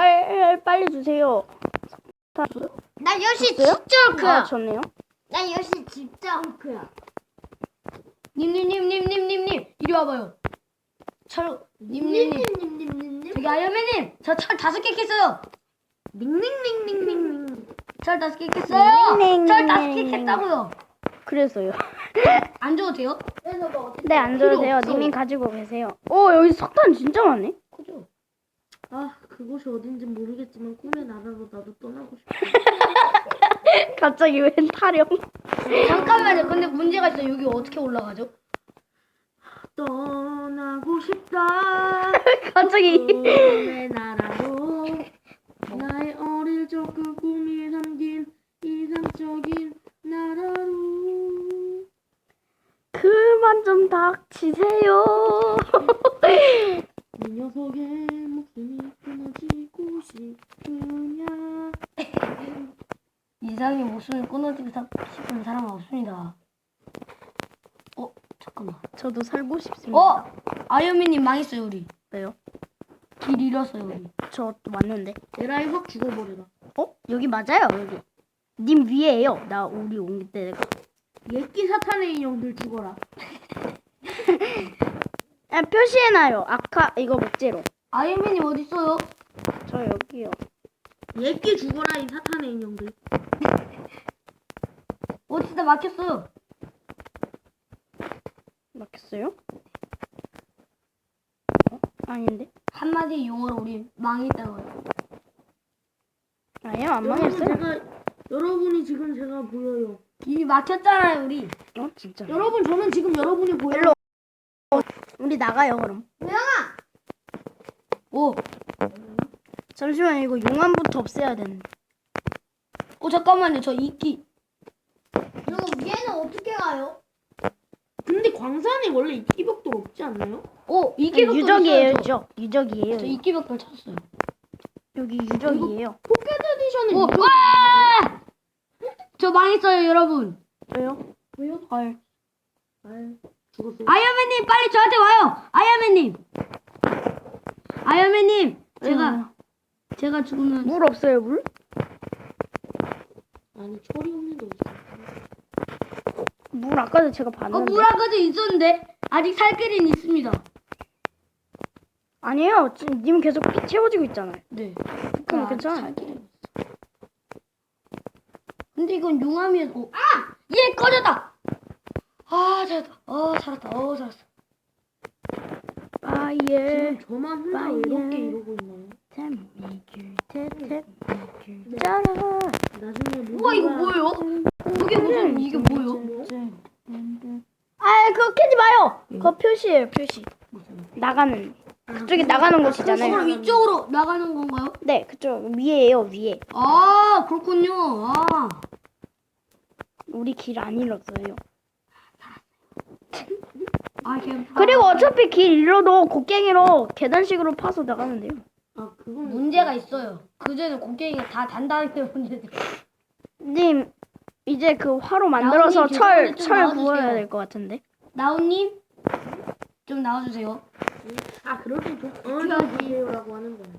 빨리 주세요. 나 역시 줬어요? 진짜 헐크야. 아, 좋네요. 나 역시 진짜 헐크야. 님님님님님님님 이리 와봐요. 님님님 님님님님님님. 저기 아이언맨님 저 철 5개 캤어요. 닝닝닝닝닝. 철 5개 캤어요. 닝닝닝닝. 철 5개 캤다고요. 그래서요. 안 줘도 돼요? 네, 안 줘도 돼요. 없어. 님이 가지고 계세요. 오, 여기 석탄 진짜 많네. 그죠? 아, 그곳이 어딘지 모르겠지만 꿈의 나라로 나도 떠나고 싶어. 갑자기 웬 타령? 잠깐만요. 근데 문제가 있어요. 여기 어떻게 올라가죠? 떠나고 싶다. 갑자기. 꿈의 나라로 나의 어릴 적 그 꿈이 담긴 이상적인 나라로. 그만 좀 닥치세요. 이 녀석의 목숨이 끊어지고 싶으냐. 이상의 목숨을 끊어지고 싶은 사람은 없습니다. 잠깐만. 저도 살고 싶습니다. 아이언맨님 망했어요 우리. 왜요? 길 잃었어요 우리. 저 또 왔는데. 에라이 확 죽어버려라. 여기 맞아요, 여기. 님 위에요. 나 우리 온 때가. 예끼 사탄의 인형들 죽어라. 표시해놔요. 아까 이거 목재로. 아이언맨님 어디 있어요? 저 여기요. 예끼 죽어라 이 사탄의 인형들. 어디다 막혔어요? 막혔어요? 아닌데? 한마디 용어로 우리 망했다고요. 아니요, 안 망했어요. 여러분이 지금 제가 보여요. 이미 막혔잖아요 우리. 진짜. 여러분 저는 지금 여러분이 보여요. 일로. 우리 나가요, 그럼. 오, 잠시만, 이거 용암부터 없애야 되는데. 잠깐만요. 저 이끼. 저 위에는 어떻게 가요? 근데 광산에 원래 이끼벽도 없지 않나요? 이끼벽돌 유적이에요, 있어요, 유적. 유적이에요. 저 이끼벽돌 찾았어요. 여기 유적이에요. 포켓 에디션에 와! 저 망했어요 여러분. 왜요? 왜요? 헐. 죽었어요. 아이언맨님 빨리 저한테 와요. 아이언맨님 제가 죽으면 물 없어요, 물? 아니 철이 없는 거 있어. 물 아까도 제가 봤는데. 물 아까도 있었는데 아직 살 길은 있습니다. 아니에요. 지금 님 계속 피 채워지고 있잖아요. 네. 그럼 괜찮아요. 살 길은 있어. 근데 이건 용암이어서 얘 꺼졌다. 살았다. 살았다. 살았어. 예. 지금 저만 혼자 외롭게 이러고 있나요? 짜라. 나중에 우와 이거 뭐예요? 이게 뭐예요? 그거 캐지 마요. 그거 표시예요, 표시. 나가는. 그쪽에 나가는 곳이잖아요. 그럼 이쪽으로 나가는 건가요? 네, 그쪽 위에요, 위에. 그렇군요. 우리 길 안 잃었어요. 그리고 그리고 어차피 길 잃어도 곡괭이로 계단식으로 파서 나가는데요. 그건 문제가 있어요. 그전에 곡괭이가 다 단단하게 문제들. 님, 이제 그 화로 만들어서 나오님, 철 좀 나와주세요. 구워야 될 것 같은데. 나우님 좀 나와주세요. 그럴 때 어디세요라고 하는 거야.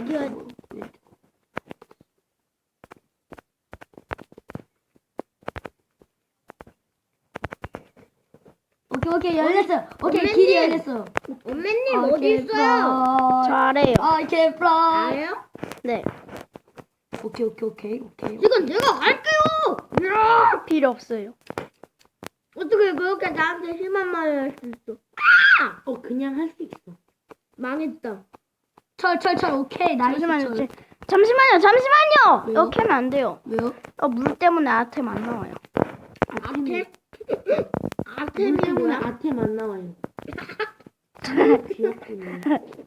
오케이 열렸어요. 길이 열렸어요. 엄매님 어디 있어요? 잘해요. I 알아요? 네, 오케이. 지금 내가 갈게요. 필요 없어요. 어떻게 그렇게 나한테 심한 말을 할 수 있어? 그냥 할 수 있어. 망했다. 철. 오케이. 나이스. 잠시만요. 왜요? 이렇게 하면 안 돼요. 왜요? 물 때문에 아템 안 나와요. 아템? 아템 때문에 뭐야? 아템 안 나와요. 귀엽군요.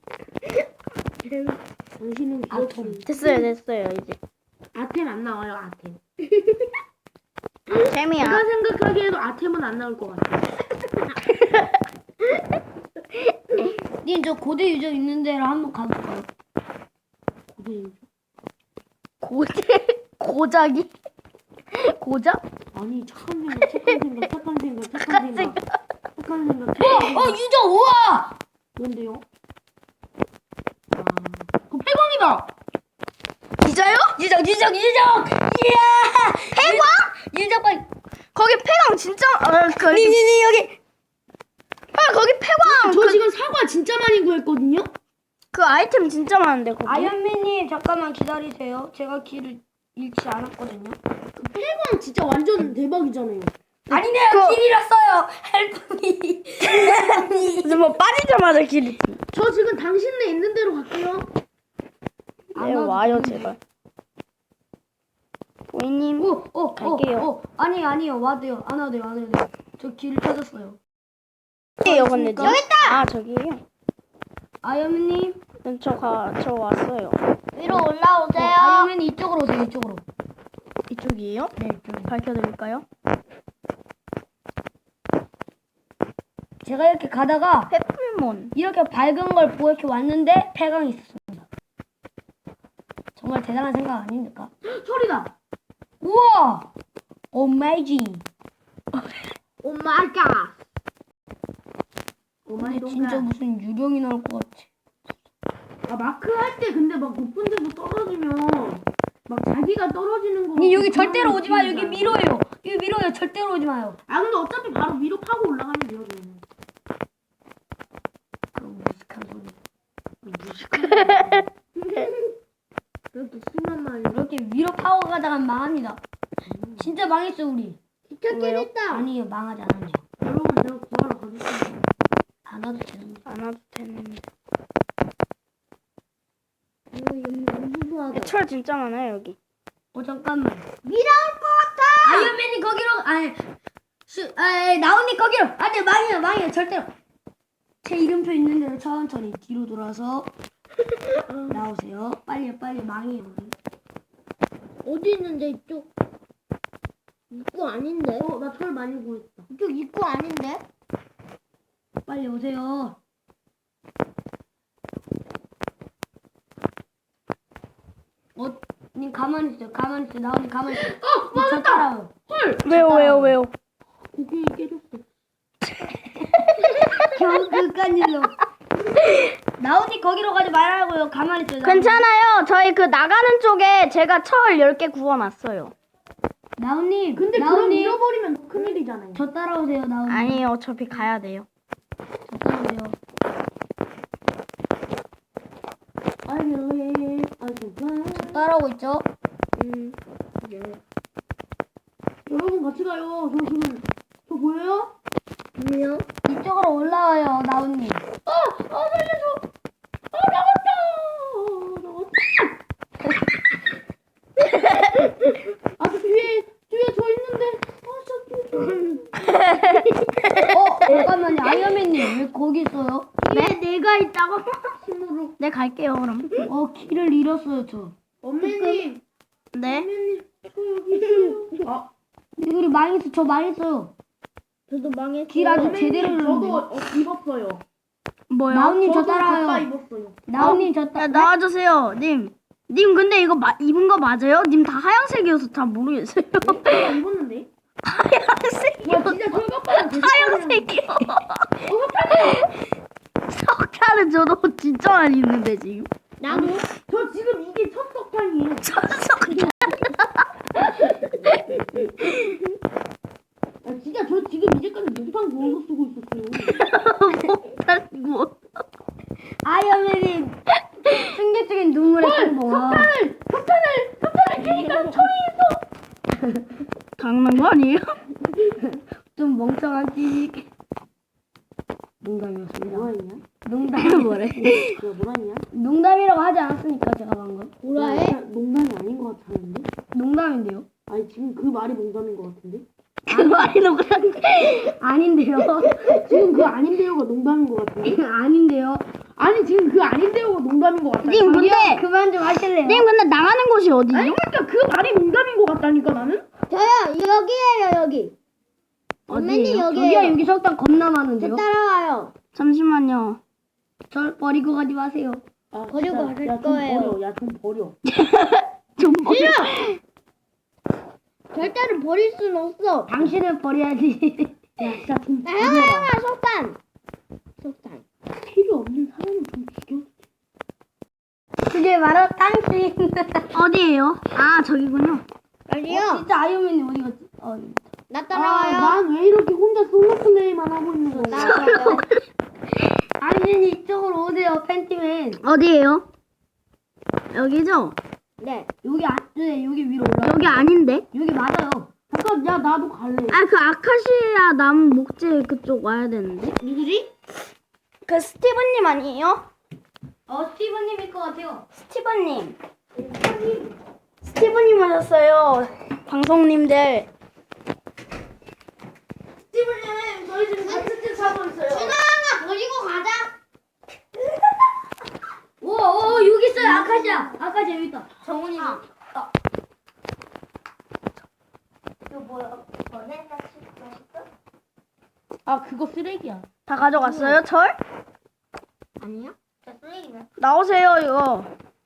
당신은 귀엽군. 됐어요, 이제. 아템 안 나와요. 아템. 재미야. 제가 생각하기에도 아템은 안 나올 것 같아요. 님 저 고대 유적 있는 데로 한번 가볼까요? 고작이? 고작? 아니 착한 생각. 유적 우와! 뭔데요? 그 폐광이다. 유적. 이야. 폐광? 유적 빨리. 거기 폐광 진짜 거기 여기. 거기 폐광 저 지금 사과 진짜 많이 구했거든요. 그 아이템 진짜 많은데 거기. 아이언맨님 잠깐만 기다리세요. 제가 길을 잃지 않았거든요. 폐광 진짜 완전 대박이잖아요. 아니네요. 길 잃었어요. 헬프미. 근데 뭐 빠지자마자 길이. 저 지금 당신네 있는 대로 갈게요. 네, 와요 제발. 보이님. 갈게요. 아니요. 와도요. 안 와도 돼요. 저 길을 찾았어요. 여기요 근데 여기 있다. 아 저기요. 아이언맨님. 저 왔어요. 위로 올라오세요. 아이언맨이 이쪽으로 오세요. 이쪽으로. 이쪽이에요? 네, 이쪽. 밝혀드릴까요? 제가 이렇게 가다가 페플몬. 이렇게 밝은 걸 보고 이렇게 왔는데 폐광이 있었습니다. 정말 대단한 생각 아닙니까? 소리다. 우와! 어메이징. 오 마이 갓. 오마이 진짜 무슨 유령이 나올 것 같지. 아 마크 할 때 근데 막 높은 데서 떨어지면 막 자기가 떨어지는 거. 니 여기 절대로 오지 마. 여기 느낌이잖아. 미로예요. 여기 미로예요. 절대로 오지 마요. 아 근데 어차피 바로 위로 파고 올라가면 돼요. 저는. 그런 무식한 소리. 그렇게 심한 말이. 이렇게 위로 파고 가다가 망합니다. 진짜 망했어 우리. 기찻길 있다. 아니요 망하지 않았네요. 여러분 제가 구하러 가겠습니다. 안 와도 되는데. 안 와도 되는데. 무서워하다. 철 진짜 많아요 여기. 잠깐만. 미라올 것 같아. 아이언맨이 거기로 나온니 거기로. 안돼 망해요 절대로. 제 이름표 있는 대로 천천히 뒤로 돌아서 나오세요. 빨리 망해요 우리. 어디 있는데 이쪽? 입구 아닌데? 나 철 많이 구했다. 이쪽 입구 아닌데? 빨리 오세요. 님 가만히 있어요. 나온니 가만히 있어요. 저 따라와요. 왜요? 고기 깨졌어. 겨우 그깟 일로. 나온니 거기로 가지 말라고요. 가만히 있어요. 괜찮아요. 저희 그 나가는 쪽에 제가 철 10개 구워놨어요. 나온님. 근데 그럼 나온님. 잃어버리면 큰일이잖아요. 저 따라오세요. 나온님. 아니에요. 어차피 가야 돼요. 저 따라오세요. 저 따라오고 있죠? 여러분 같이 가요. 저 지금 저 보여요? 아니요. 이쪽으로 올라와요. 나온님. 살려줘. 나갔다. 저 뒤에 저 있는데. 잠깐만요. 아이언맨님 왜 거기 있어요? 뒤에 내가 있다고? 힘으로. 네 갈게요 그럼. 길을 잃었어요 저. 엄매님. 네. 엄매님. 저 여기 있어요. 우리 망했어. 저 망했어요. 저도 망했어. 길 아주 엄매님, 제대로 저도 잃었는데. 입었어요. 뭐요? 나온님 저 저도 가까 따라와요. 입었어요. 나온님 저 야, 따라. 나와주세요, 님. 님 근데 이거 입은 거 맞아요? 님 다 하얀색이어서 잘 모르겠어요. 나 입었는데. 하얀색이요. 와 진짜 철갑바람 하얀색이요. 석탄은 저도 진짜 많이 있는데 지금. 나도. 저 지금 이게 첫 석탄이에요. 석탄. 진짜 저 지금 이제까지 목탄 구워서 쓰고 있었어요. 석탄 뭐? 아이언맨이 충격적인 눈물의 행보와. 석탄을 캐니까 철이 있어. 당난 거 아니에요? 좀 멍청한 찌직. 농담이었습니다. 뭐하냐? 농담. 뭐래? 너 뭐하냐? 농담이라고 하지 않았으니까 제가 방금. 뭐라해? 농담이 아닌 것 같았는데? 농담인데요. 아니 지금 그 말이 농담인 것 같은데? 그 말이 농담인데. 아닌데요. 지금 그 아닌데요가 농담인 것 같은데? 아닌데요. 아니 지금 그 아닌데요가 농담인 것 같아. 님 근데 그만 좀 하실래요? 님 근데 나가는 곳이 어디죠? 아니 그러니까 그 말이 농담인 것 같다니까 나는? 저요 여기에요 여기. 엄매님 어디예요? 저기요 여기에요. 여기 석탄 겁나 저 많은데요. 따라와요. 잠시만요. 절 버리고 가지 마세요. 버리고 진짜, 갈 야, 좀 거예요. 버려. 야 좀 버려. 좀 싫어. 절대로 버릴 순 없어. 당신은 버려야지. 야 진짜 좀 나 버려라. 형아 석탄. 필요 없는 사람은 좀 죽여. 그게 이게 바로 당신. 어디에요? 아 저기군요. 빨리요. 진짜 아이언맨이 어디 갔지? 나 아, 따라와요. 난 왜 이렇게 혼자 솔로 플레이만 하고 있는 거야? 따라와요. 당신이 이쪽으로 오세요, 팬티맨. 어디에요? 여기죠? 네. 네, 여기 위로 올라. 여기 아닌데? 여기 맞아요. 잠깐, 야, 나도 갈래. 아 그 아카시아 나무 목재 그쪽 와야 되는데. 누구지? 그 스티븐님 아니에요? 스티븐님일 것 같아요. 스티븐님. 스티븐님 하셨어요. 방송님들. 스티븐님, 저희 지금 같은 집 사고 있어요. 준아가 버리고 가자. 오, 여기 있어요, 아카시아. 아카시아 여기 있다. 정훈이. 이거 뭐야? 아, 그거 쓰레기야. 다 가져갔어요? 철? 아니요? 저 쓰레기네. 나오세요 이거.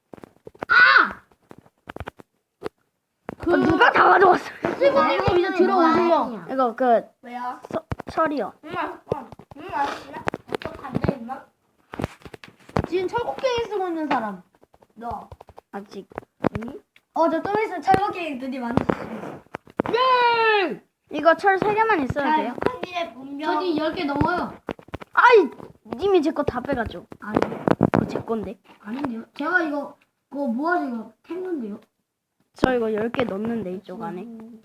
그, 누가 다 가져갔어요? 스티븐님 이제 들어오세요. 이거 그 왜요? 철이요. 알았어. 어떡한데, 임마? 지금 철곡갱이 쓰고 있는 사람. 너. 아직. 저 좀 있으면 철거게임 드디어 만들었습니다. 예! 이거 철 3개만 있어도 돼요? 한일의 분명. 저기 10개 넘어요. 아이 님이 제 거 다 빼가죠. 아니요. 그거 제 건데. 아닌데요? 제가 그거 모아서 이거 캤는데요. 저 이거 10개 넣었는데 이쪽 안에.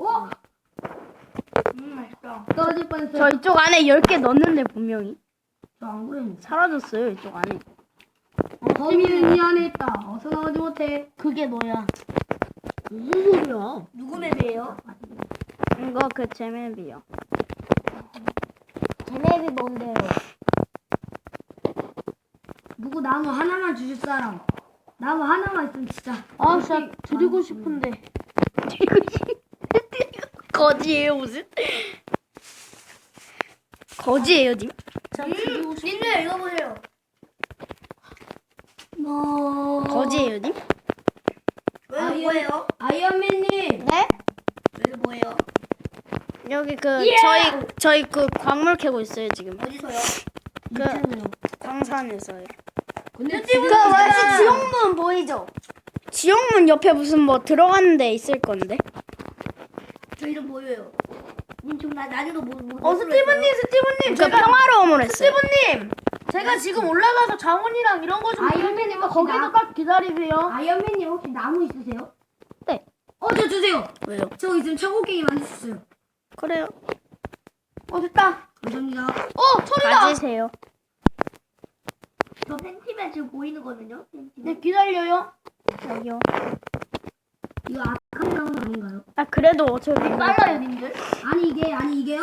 맛있어. 떨어질 뻔했어요. 저 이쪽 안에 10개 넣었는데 분명히. 저안 그랬는데. 사라졌어요 이쪽 안에. 범인은 이 안에 있다. 어서 나오지 못해. 그게 너야. 무슨 소리야? 누구 맵이에요? 이거 그 제맵이요. 제맵이 뭔데요? 누구 나무 하나만 주실 사람. 나무 하나만 있으면 진짜. 아, 진짜 드리고 싶은데. 거지예요 무슨? 거지예요 님? 님들 읽어보세요. 거지예요 님? 뭐예요? 아이언맨님. 네? 왜 뭐예요? 여기 그 저희 그 광물 캐고 있어요 지금. 어디서요? 있잖아요. 광산에서요. 근데 그 지금 뭐지 지옥문 보이죠? 지옥문 옆에 무슨 뭐 들어가는 데 있을 건데. 저 이름 뭐예요? 님 지금 나중에도 스티븐님. 그 평화로움을 했어요. 스티븐님. 제가 지금 올라가서 장훈이랑 이런 거 좀 아이언맨님 혹시 거기서 딱 기다리세요. 아이언맨님 혹시 나무 있으세요? 네. 저 주세요. 왜요? 저 있으면 철곡갱이 만들 수 있어요. 그래요. 됐다. 감사합니다. 철이다. 가지세요. 저 팬티맨 지금 보이는 거든요. 네, 기다려요. 여기요. 이거 아카시 나무 아닌가요? 아 그래도 어차피 빨라요, 님들. 아니 이게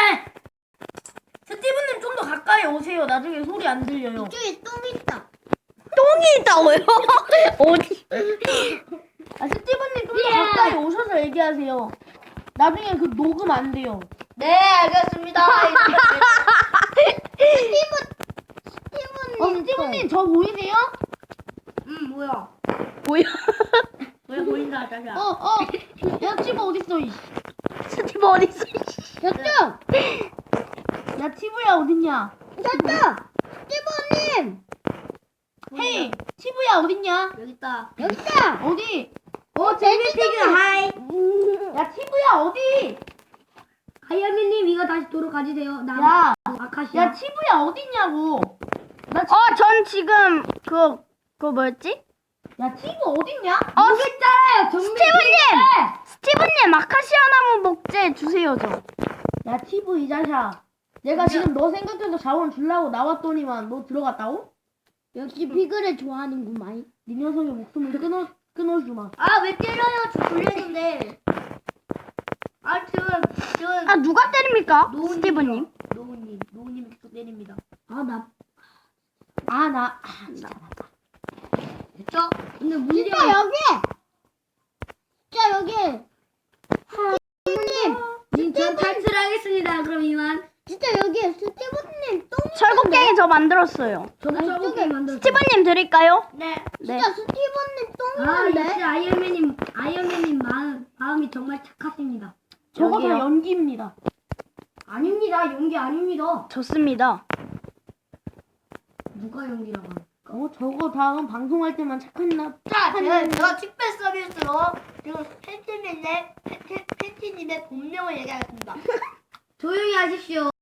스티븐님 좀 더 가까이 오세요. 나중에 소리 안 들려요. 이쪽에 똥 있다. 똥이 있다고요? 어디? 아, 스티븐님 좀 더 가까이 오셔서 얘기하세요. 나중에 그 녹음 안 돼요. 네, 알겠습니다. 스티븐님 저 보이세요? 뭐야? 뭐야? 왜 보인다, 자자. 야, 티브 어딨어, 이. 스티브 어디 있어? 야, 야, 티브야 어딨냐? 됐다! 스티브님! 헤이, 티브야 어딨냐? 여기 있다. 여기 있다. 어디? 제이피그 하이. 야, 티브야 어디? 아이언맨님 이거 다시 도로 가지세요. 나 야, 아카시아. 야, 티브야 어딨냐고? 전 지금 그거 뭐였지? 야, 티브 어딨냐? 여기 있잖아요. 스티븐님 아카시아 나무 목재 주세요 저. 야, 티브 이 자식아. 내가 지금 너 생각해서 자원 주려고 나왔더니만 너 들어갔다고? 역시 피그를 좋아하는구만. 네 녀석의 목숨을 끊어주마. 왜 때려요? 저 돌렸는데. 저 아 누가 때립니까? 스티븐님. 노우님이 계속 때립니다. 나 저, 근데 문제가 진짜 여기! 전 탈출하겠습니다. 그럼 이만. 진짜 여기 스티브님 똥 철곡갱이 저 만들었어요. 저도 철곡갱이 만들었어요. 스티븐님 드릴까요? 네. 네. 진짜 스티브님 역시 똥인데? 아이언맨님 마음이 정말 착하십니다. 저거 다 저기요. 연기입니다. 아닙니다. 연기 아닙니다. 좋습니다. 누가 연기라고 합니까? 저거 다음 방송할 때만 착한 나. 자, 제가 특별 서비스로 지금 팬티님의 본명을 얘기하겠습니다. 조용히 하십시오.